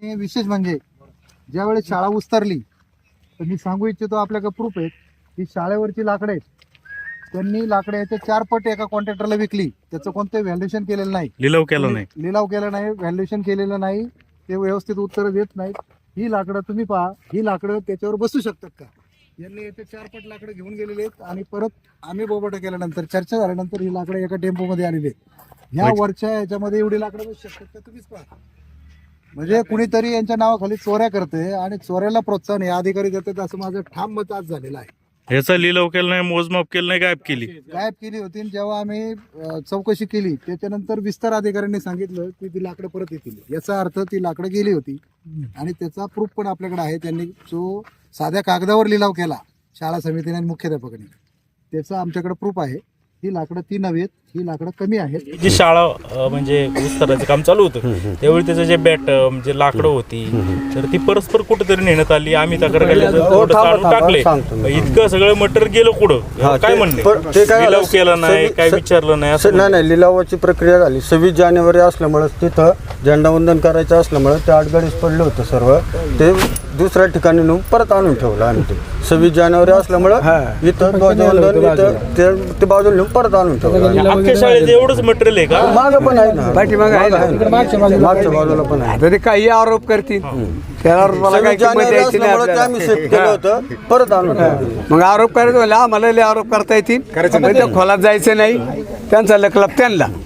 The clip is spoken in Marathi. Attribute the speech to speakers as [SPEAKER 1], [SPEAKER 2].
[SPEAKER 1] हे विशेष म्हणजे ज्यावेळेस शाळा उस्तरली तर मी सांगू इच्छितो, आपल्याकडे प्रूफ आहे की शाळेवरची लाकडं आहेत, त्यांनी लाकडं याच्या 4 पट एका कॉन्ट्रॅक्टरला विकली. त्याचं कोणतं व्हॅल्युएशन केलेलं नाही,
[SPEAKER 2] लिलाव केला नाही,
[SPEAKER 1] व्हॅल्युएशन केलेलं नाही, ते व्यवस्थित उत्तर देत नाहीत. ही लाकडं तुम्ही पहा, ही लाकडं त्याच्यावर बसू शकतात का? यांनी याचे 4 पट लाकडं घेऊन गेलेले आहेत आणि परत आम्ही बोबाटा केल्यानंतर, चर्चा झाल्यानंतर ही लाकडं एका टेम्पोमध्ये आलेली आहेत. ह्या वरच्या याच्यामध्ये एवढी लाकडं बसू शकतात का? तुम्हीच पहा. म्हणजे कुणीतरी यांच्या नावाखाली चोऱ्या करते आणि चोऱ्याला प्रोत्साहन हे अधिकारी देतात, असं माझं ठाम मत आज झालेलं आहे.
[SPEAKER 2] ह्याचा लिलाव केला नाही, मोजमाप केलं नाही, गायब
[SPEAKER 1] केली होती. जेव्हा आम्ही चौकशी केली त्याच्यानंतर विस्तार अधिकाऱ्यांनी सांगितलं की ती लाकडं परत येतील. याचा अर्थ ती लाकडं गेली होती आणि त्याचा प्रूफ पण आपल्याकडे आहे. त्यांनी जो साध्या कागदावर लिलाव केला शाळा समितीने आणि मुख्याध्यापकांनी, त्याचा आमच्याकडे प्रूफ आहे. ही लाकडं ती नव्हेत, ही लाकडं कमी आहेत.
[SPEAKER 2] जी शाळा म्हणजे विस्ताराचं काम चालू होतं त्यावेळी त्याचं जे बॅट म्हणजे लाकडं होती तर ती परस्पर कुठेतरी नेण्यात आली. आम्ही तक्रार टाकले, इतकं सगळं मटेरियल गेलं कुठं? काय म्हणते लिलाव केला नाही, काय विचारलं नाही असं?
[SPEAKER 3] नाही, लिलावाची प्रक्रिया झाली. 26 जानेवारी असल्यामुळे तिथं झेंडावंदन करायचं असल्यामुळे ते आडगडीस पडलं होतं सर्व. ते दुसऱ्या ठिकाणी नेऊन परत आणून ठेवलं आम्ही. ते 26 जानेवारी असल्यामुळे इथं ध्वजवंदन ते बाजूला नेऊन परत आणून ठेवलं.
[SPEAKER 2] अख्ख्या शाळेत एवढंच मटेरियल आहे का?
[SPEAKER 3] मागं पण आहे ना,
[SPEAKER 4] पाठीमागं आहे ना,
[SPEAKER 3] मागच्या बाजूला पण आहे.
[SPEAKER 4] तरी काही आरोप करतील त्याला मला काय
[SPEAKER 3] 26
[SPEAKER 4] किंमत
[SPEAKER 3] जानेवारी
[SPEAKER 4] द्यायची नाही
[SPEAKER 3] असल्यामुळे ते
[SPEAKER 4] आपल्याला.
[SPEAKER 3] आम्ही सेट केलं होतं, परत आणून ठेवलं.
[SPEAKER 4] मग आरोप करायचं म्हणलं आम्हाला लय आरोप करता येतील, पण त्या खोलात जायचं नाही, त्यांचा लकलाप त्यांना.